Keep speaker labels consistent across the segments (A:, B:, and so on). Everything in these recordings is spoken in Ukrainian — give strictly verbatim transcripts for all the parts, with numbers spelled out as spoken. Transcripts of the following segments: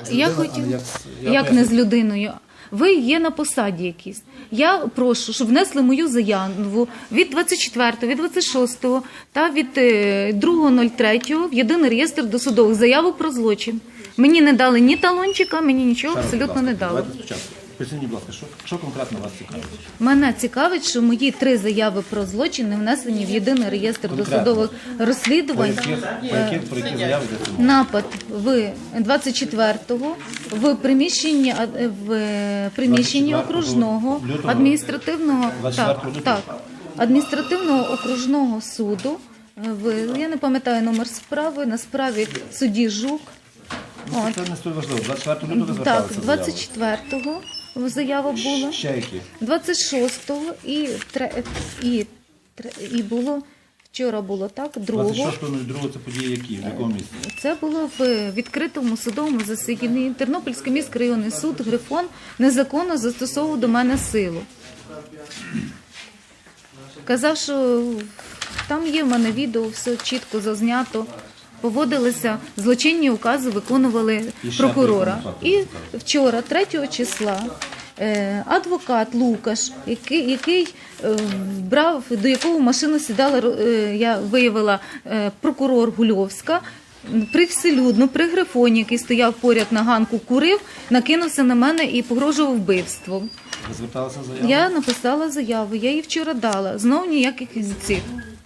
A: Я хотів, як не з людиною. Ви є на посаді якійсь. Я прошу, щоб внесли мою заяву від двадцять четвертого, від двадцять шостого та від другого третього в єдиний реєстр досудових заявок про злочин. Мені не дали ні талончика, мені нічого абсолютно не дали.
B: Поясніть, будь ласка, що, що конкретно вас цікавить?
A: Мене цікавить, що мої три заяви про злочин не внесені в єдиний реєстр
B: Конкретно.
A: досудових розслідувань.
B: По яких, по яких, про які заяви йдеться мова?
A: Напад в двадцять четвертого в приміщенні, в приміщенні окружного адміністративного, так, так, адміністративного окружного суду. В, я не пам'ятаю номер справи, на справі судді Жук.
B: Ну, це не столь важливо. двадцять четвертого лютого ви
A: Так,
B: зверталися з
A: двадцять четвертого заява була.
B: Ще які?
A: двадцять шостого і, і, і було, вчора було так, другого.
B: двадцять шостого другого це події які? В якому місці?
A: Це було в відкритому судовому засіданні. Тернопільський міськрайонний суд Грифон незаконно застосовував до мене силу. Казав, що там є в мене відео, все чітко зазнято. Поводилися, злочинні укази виконували прокурора. І вчора, третього числа, адвокат Лукаш, який, який брав, до якого в машину сідала, я виявила, прокурор Гульовська, привселюдно, при Грифоні, який стояв поряд на ганку, курив, накинувся на мене і погрожував вбивством.
B: Ви зверталися з заявою?
A: Я написала заяву, я її вчора дала. Знову ніяких цих.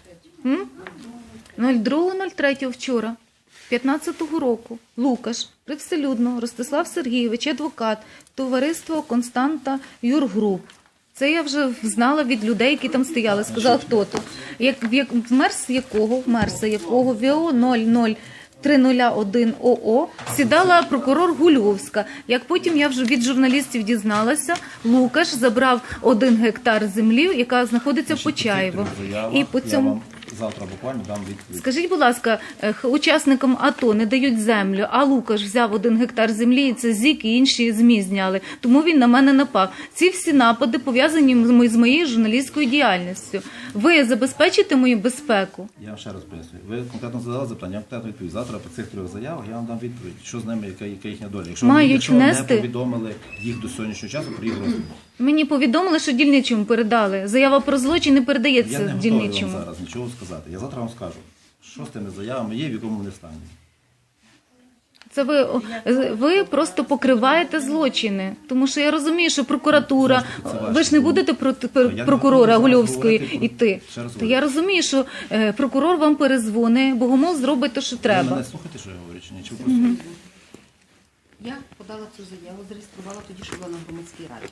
A: другого третього вчора, п'ятнадцятого року, Лукаш, привселюдно, Ростислав Сергійович, адвокат, товариство Константа Юргруп. Це я вже знала від людей, які там стояли, сказала, хто тут. Як, як, в мерс якого, в мерса якого, ВО нуль нуль три нуль один ОО сідала прокурор Гульовська. Як потім я вже від журналістів дізналася, Лукаш забрав один гектар землі, яка знаходиться в Почаєво. І по цьому...
B: Завтра буквально дам відповідь.
A: Скажіть, будь ласка, учасникам АТО не дають землю, а Лукаш взяв один гектар землі, і це ЗІК і інші ЗМІ зняли. Тому він на мене напав. Ці всі напади пов'язані з моєю журналістською діяльністю. Ви забезпечите мою безпеку?
B: Я вам ще раз пояснюю. Ви конкретно задали запитання, я вам конкретно відповідь. Завтра по цих трьох заявах я вам дам відповідь, що з ними, яка, яка їхня доля. Якщо
A: Мають
B: якщо
A: внести...
B: не повідомили їх до сьогоднішнього часу про їх розгляд.
A: Мені повідомили, що дільничому передали. Заява про злочин не передається
B: дільничому. Я не готовий
A: дільничому.
B: вам зараз нічого сказати. Я завтра вам скажу, що з тими заявами є, в якому вони стані.
A: Це ви, ви просто покриваєте злочини. Тому що я розумію, що прокуратура, ви ж не будете проти прокурора Гульовської йти. То я розумію, що е, прокурор вам перезвонить, Богомол зробить те, що треба.
B: Ви мене слухаєте, що я говорю, чи ні? Чи ви просто... Mm-hmm.
C: Я подала цю заяву, зареєструвала тоді, що була на громадській раді.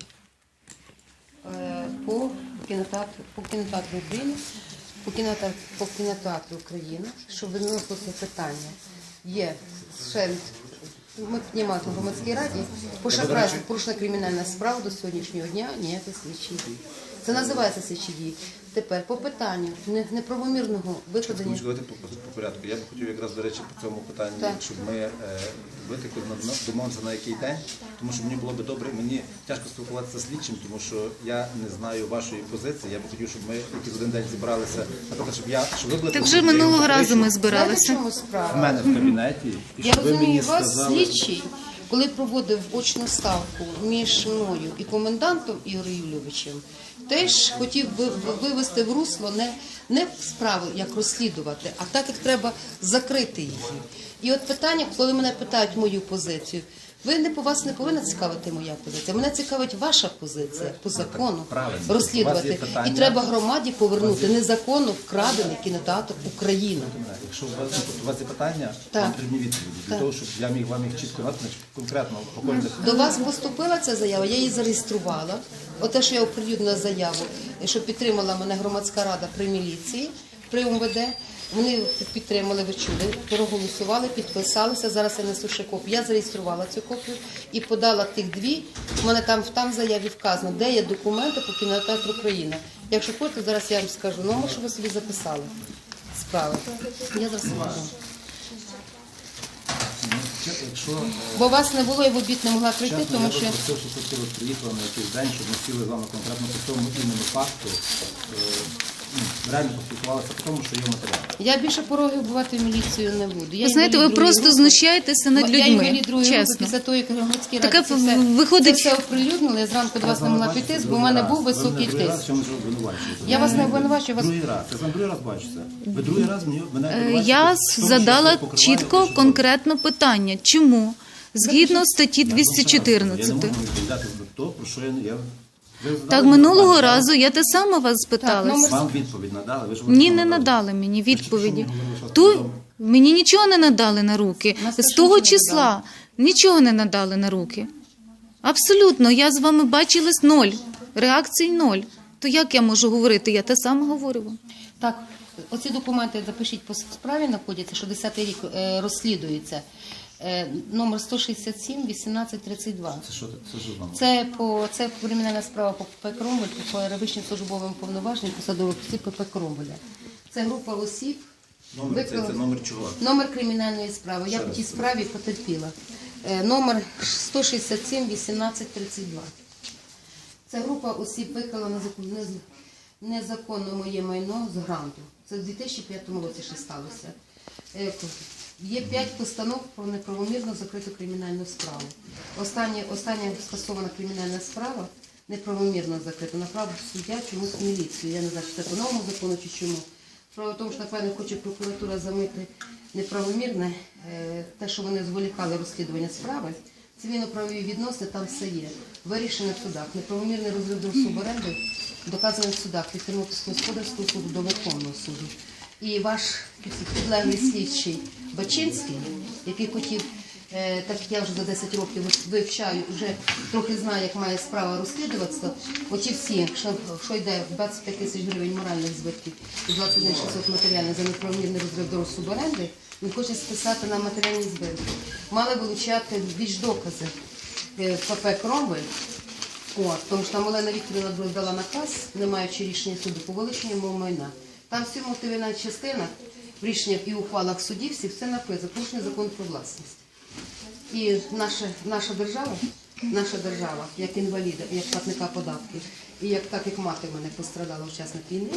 C: По кінотеатру, по кінотеатру України, по кінотеатру, по кінотеатру України, що виносилося питання, є ще, ми піднімали на громадській раді, по шахрайству порушена кримінальна справа до сьогоднішнього дня, ніяких слідчих дій. Це називається слідчі дії. Тепер по питанню неправомірного викладення...
B: Давайте по, по, по порядку. Я б хотів якраз, до речі, по цьому питанню, так. щоб ми е, витекли, домовимося на який день, тому що мені було б добре, мені тяжко спілкуватися з слідчим, тому що я не знаю вашої позиції. Я б хотів, щоб ми якийсь один день зібралися, наприклад, щоб я, щоб ви були...
A: Так вже минулого разу ми збиралися.
B: В мене в кабінеті. І
C: я розумію, вас
B: сказали...
C: слідчий, коли проводив очну ставку між мною і комендантом Ігорем Юлійовичем, теж хотів вивести в русло не, не справи, як розслідувати, а так, як треба закрити її. І от питання, коли мене питають мою позицію, ви не по вас не повинна цікавити моя позиція. Мене цікавить ваша позиція по закону розслідувати. І треба громаді повернути незаконно вкрадений кінотеатр Україна.
B: Якщо у вас, у вас є питання, вам потрібні відповіді. Для того, щоб я міг вам їх чітко назвати, конкретно по кожних...
C: До вас поступила ця заява, я її зареєструвала. Оте, що я оприлюднила заяву, що підтримала мене громадська рада при міліції, при МВД. Вони підтримали, ви чули, проголосували, підписалися. Зараз я несу ще копію. Я зареєструвала цю копію і подала тих дві. У мене там, там в заяві вказано, де є документи по кінотеатру Україна. Якщо хочете, зараз я вам скажу номер, щоб ви собі записали справи. Я зараз вам дам. Бо вас не було, я в обід не могла прийти,
B: Чесно,
C: тому
B: я
C: що...
B: Я попросив, щоб ви приїхали на якийсь день, щоб ми сіли з вами конкретно по цьому іменно факту. ну, реально поспілкувалися по тому, що є матеріал.
C: Я більше пороги вбивати в міліцію не буду. Я
A: Ви знаєте, ви
C: інвалід другої
A: просто
C: групи.
A: знущаєтеся над
C: Я
A: людьми,
C: інвалід другої групи,
A: чесно.
C: після того, як громадські
A: Таке
C: ради це все,
A: виходить-
C: це все оприлюднили, я зранку до вас не могла піти, бо в мене був високий тиск. Я вас не обвинувачую, вас-
B: Другий раз, я вам другий раз бачу це. Ви другий раз мені, мене
A: Е,
B: обвинувачуєте
A: Я
B: в тому, що
A: задала
B: я покриваю
A: чітко,
B: те, що
A: конкретно питання. Чому? Згідно статті
B: Я
A: двісті
B: вам ще раз кажу, Я не
A: чотирнадцять.
B: можу відповідати за те, про що я... я... Ви задали
A: Так,
B: мені
A: минулого
B: питання,
A: разу я те саме вас спитала.
C: номер-
B: Вам відповідь надали? Ви ж
A: Ні,
B: вам
A: не
B: надали.
A: надали мені відповіді.
B: Що ви говорили, що
A: Ту
B: сказали?
A: мені нічого не надали на руки.
C: Нас
A: З
C: теж
A: того
C: нічого не
A: числа нічого не надали на руки. Абсолютно, я з вами бачилась ноль. Реакцій ноль. То як я можу говорити? Я те саме говорю вам.
C: Так, оці документи запишіть по справі, знаходяться, що десятий рік е, розслідується. Е, номер сто шістдесят сім вісімнадцять тридцять два.
B: Це що, це що з вами?
C: Це по це кримінальна справа по ПП Кромвель, по перевищенню службовим повноваженням посадових осіб ПП Кромвеля. Це група осіб.
B: Номер, це,
C: викрила-
B: це номер чого?
C: Номер кримінальної справи. Я
B: Ще
C: по
B: раз
C: тій
B: скажіть.
C: справі потерпіла. Е, Номер сто шістдесят сім вісімнадцять тридцять два. Це група осіб викрила незакон- нез- незаконно моє майно з гранту. Це в дві тисячі п'ятому році ще сталося. Е, Є п'ять постанов про неправомірно закриту кримінальну справу. Остання, остання скасована кримінальна справа неправомірно закрита. Направив суддя чомусь в міліцію. Я не знаю, чи це по новому закону, чи чому. Справа в тому, що, напевно, хоче прокуратура замити неправомірне, е, те, що вони зволікали розслідування справи. Цивільно-правові відносини, там все є. Вирішено в судах. Неправомірний розрив суборенди доказаний в судах від Тернопільського господарського суду до Верховного суду. І ваш підлеглий слідчий Бачинський, який хотів, е, так як я вже за десять років вивчаю, вже трохи знаю, як має справа розслідуватися, оті всі, що, що йде двадцять п'ять тисяч гривень моральних збитків і двадцять один шістсот матеріальних за неправомірний розрив до суборенди, він хоче списати на матеріальні збитки. Мали вилучати більш докази е, ПП Кромвель. От, тому що там Олена Вікторівна дала наказ, не маючи рішення суду по вилученню мого майна. Там всі мотивна частина в рішеннях і ухвалах судів всі все написано, порушення закон про власність. І наша, наша держава, наша держава, як інваліда, як платника податків, і як так як мати в мене пострадала учасник війни,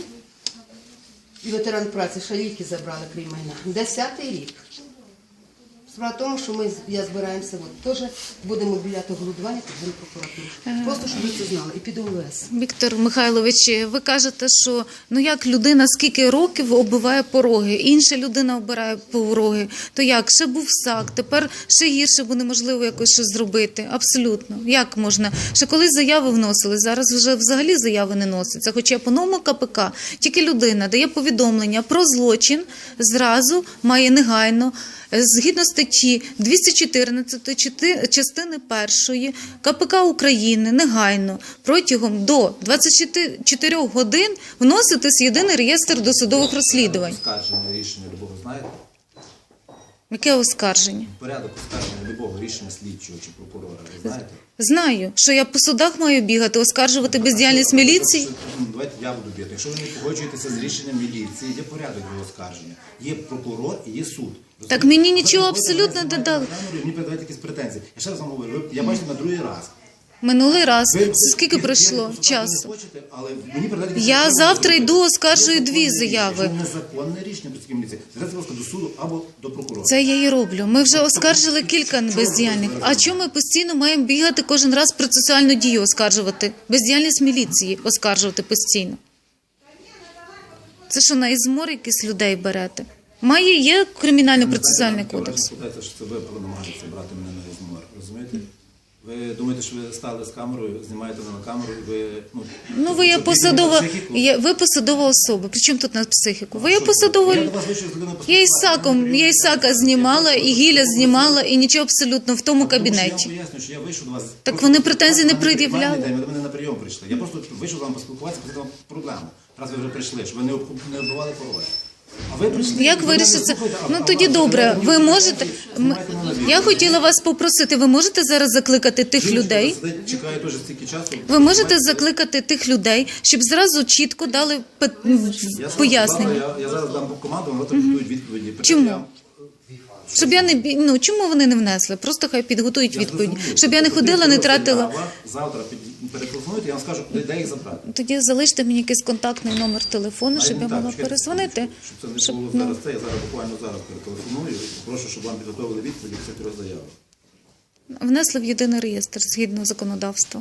C: і ветеран праці, ще ліки забрали, крім майна. Десятий рік. Справа в тому, що ми, я збираємося, от, теж будемо біляти голодування під Генпрокуратуру. Просто, щоб ви це знали, і під О В С.
A: Віктор Михайлович, ви кажете, що ну як людина скільки років оббиває пороги, інша людина обирає пороги, то як? Ще був САК, тепер ще гірше, бо неможливо якось щось зробити. Абсолютно. Як можна? Ще колись заяви вносили, зараз вже взагалі заяви не носяться. Хоча по новому К П К тільки людина дає повідомлення про злочин, зразу має негайно, згідно статті двісті чотирнадцять частини першої К П К України негайно протягом до двадцяти чотирьох годин вноситись в єдиний реєстр досудових розслідувань.
B: Оскарження рішення любого знаєте?
A: Яке оскарження?
B: Порядок оскарження любого рішення слідчого чи прокурора, ви знаєте?
A: Знаю, що я по судах маю бігати, оскаржувати бездіяльність міліції.
B: Ну, давайте я буду бігати. Якщо ви не погоджуєтеся з рішенням міліції, є порядок його оскарження. Є прокурор і є суд.
A: Так мені нічого
B: Ви
A: абсолютно не
B: знаєте,
A: дали.
B: на камеру, і мені передають якісь претензії. Я ще раз вам говорю, ви- я бачу на другий раз.
A: Минулий раз.
B: Ви-
A: Скільки
B: ви-
A: пройшло
B: ви- ви
A: часу?
B: не хочете, але мені передають якісь
A: Я
B: претензії.
A: завтра йду, оскаржую
B: Є
A: дві
B: законне рішення.
A: заяви.
B: Якщо незаконне рішення працівників міліції, звертайтеся, будь ласка, до суду або до прокурора.
A: Це я і роблю. Ми вже оскаржили кілька бездіяльних. А чому ми постійно маємо бігати кожен раз процесуальну дію оскаржувати? Бездіяльність міліції оскаржувати постійно. Це що, на ізмор якісь людей берете? Має, є кримінально-процесуальний кодекс.
B: Спитайте, що це ви намагаєтеся брати мене на розмову, розумієте? Ви думаєте, що ви стали з камерою, знімаєте мене на камеру, і ви... Ну,
A: Ну, ви є
B: щоб
A: посадова,
B: підняти психіку?
A: є, ви посадова особа. Причому тут на психіку? Ви є
B: Що
A: посадова...
B: Я до вас вийшов з людиною
A: Я і
B: поспілкуватися.
A: Саком, я і Сака знімала, і Гіля знімала, і нічого абсолютно в тому
B: Тому що Я
A: кабінеті.
B: вам поясню, що я вийшов до вас...
A: Так
B: просто
A: вони претензій не
B: поспілкуватися,
A: пред'являли?
B: нормальний день, Ви до мене на прийом прийшли. Я просто вийшов з вами поспілкуватися, посадив вам проблему. Раз ви вже прийшли, щоб ви не об- не оббивали пороги. А ви прийшли...
A: Як
B: ви мене
A: вирішиться?
B: слухаєте, а-
A: Ну
B: а
A: тоді
B: вас
A: добре.
B: передають
A: Ви
B: мені
A: можете.
B: претензії,
A: М-
B: знімайте мене на відео.
A: Я хотіла вас попросити. Ви можете зараз закликати тих
B: Жіночка
A: людей?
B: сидить, чекає теж стільки часу.
A: Ви можете закликати тих людей, щоб зразу чітко дали пе-
B: Я
A: пояснення.
B: Я, я зараз дам команду, вона так відповідь відповіді.
A: Чому?
B: Я-
A: Щоб я не бі- ну чому вони не внесли? Просто хай підготують
B: Я
A: відповідь.
B: зрозумів.
A: Щоб я не
B: Тобто
A: ходила, не
B: заява,
A: тратила.
B: Завтра під- перетелефонуйте, я вам скажу, де, де їх забрати.
A: Тоді залиште мені якийсь контактний номер телефону, щоб
B: А,
A: я
B: ну, так,
A: могла
B: чекайте,
A: перезвонити.
B: Щоб це не
A: Щоб,
B: було
A: ну,
B: зараз це, я зараз буквально зараз перетелефоную і прошу, щоб вам підготовили відповіді по цих трьох заявах.
A: внесли в єдиний реєстр згідно законодавства.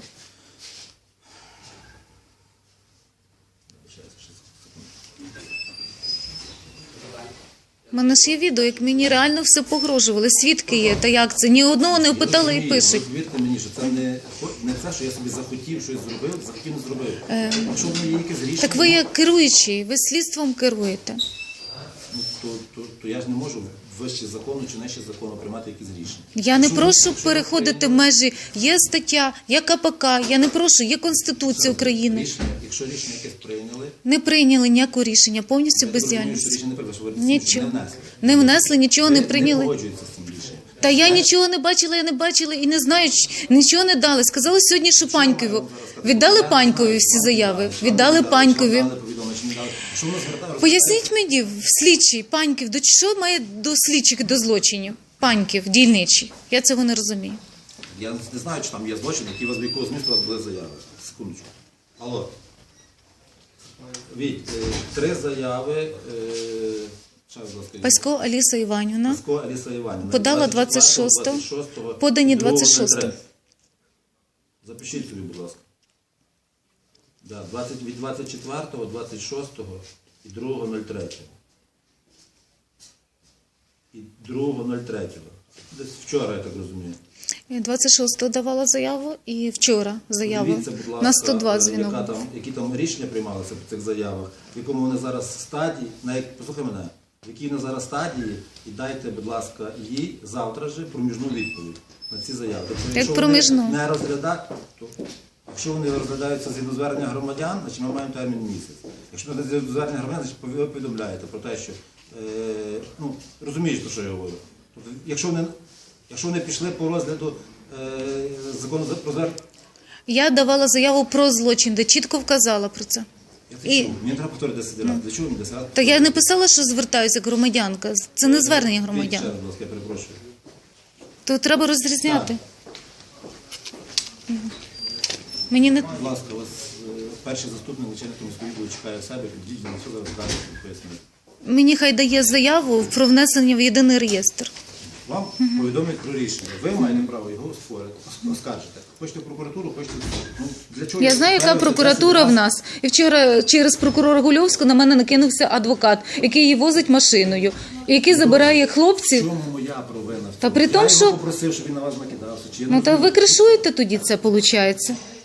A: У мене ж є відео, як мені реально все погрожували. Свідки є, та як це? Ні одного не опитали і
B: Розумію,
A: пишуть.
B: Повірте мені, що це не, не це, що я собі захотів, щось зробив, захотів, не зробив. Якщо воно є якесь рішення,
A: Так ви як керуючий, ви слідством керуєте.
B: ну, то, то, то я ж не можу вище закону чи нижче закону приймати якісь рішення.
A: Я не
B: Якщо ви-
A: прошу
B: якщо ви
A: переходити
B: прийняли
A: межі. Є стаття, є КПК, я не прошу, є Конституція України.
B: Рішення, якщо рішення якесь прийняли,
A: Не прийняли ніякого рішення, повністю
B: я так розумію, що
A: бездіяльність.
B: рішення не прийняли, що ви
A: Нічого.
B: не внесли.
A: Не внесли, нічого не
B: Ви
A: прийняли.
B: Не погоджуєтеся з цим рішенням.
A: Та я нічого не бачила, я не бачила і не знаю, ч- нічого не дали. Сказали сьогодні, що Панькові. Віддали Панькові всі заяви? Віддали Панькові. Поясніть мені, в слідчий Паньків, до що має до слідчих, до злочинів? Паньків, дільничий. Я цього не розумію.
B: Я не знаю, чи там є злочин, які у вас, в якого змісту у вас були заяви. Секундочку. Алло. Віть, е, три заяви. Е, ще раз, будь ласка,
A: Пасько Аліса Іванівна.
B: Пасько Аліса Іванівна.
A: Подала
B: двадцять четвертого,
A: двадцять шостого,
B: двадцять шостого,
A: подані
B: другого,
A: двадцять шостого.
B: нуль три. Запишіть собі, будь ласка. Да, двадцять, від двадцять четвертого, двадцять шостого і другого нуль третього. І другого нуль третього. Десь вчора, я так розумію.
A: Я двадцять шостого давала заяву і вчора заяву.
B: Дивіться, будь ласка,
A: На сто два
B: яка
A: дзвінок.
B: там, які там рішення приймалися по цих заявах, в якому вони зараз стадії, на як, послухай мене, в якій вони зараз стадії, і дайте, будь ласка, їй завтра же проміжну відповідь на ці заяви. Тобто, якщо
A: проміжну?
B: вони не розглядають, то якщо вони розглядаються згідно звернення громадян, значить ми маємо термін місяць. Якщо не згідно звернення громадян, значить ви повідомляєте про те, що, е, ну, розумієш, про що я говорю. Тобто, якщо вони, якщо вони пішли по розгляду е, закону про звернення,
A: Я давала заяву про злочин, де чітко вказала про це.
B: я це
A: І-
B: чув. Мені треба повторити десять разів. Для чого мені десять разів?
A: Та я не писала, що звертаюся як громадянка. Це не звернення
B: Ще
A: громадян.
B: раз, будь ласка, я перепрошую.
A: То треба розрізняти. Мені не
B: Будь ласка, ось е, перший заступник начальника міського відділу чекає себе, підійдіть, на що зараз далі пояснити.
A: мені хай дає заяву про внесення в єдиний реєстр.
B: Вам повідомлять про рішення. Ви маєте право його створити, оскаржити. Хочете в прокуратуру, хочете в суд. Ну, для чого
A: Я
B: ви
A: знаю, яка
B: ставите
A: прокуратура
B: десять
A: в
B: разів?
A: нас. І вчора через прокурора Гульовську на мене накинувся адвокат, який її возить машиною, і який забирає
B: В
A: хлопців.
B: чому моя провина? в
A: Та
B: цьому?
A: при тому,
B: я
A: що-
B: його попросив, щоб він на вас накидався. Чи я
A: Ну
B: не
A: та
B: розумію?
A: ви кришуєте тоді це, виходить.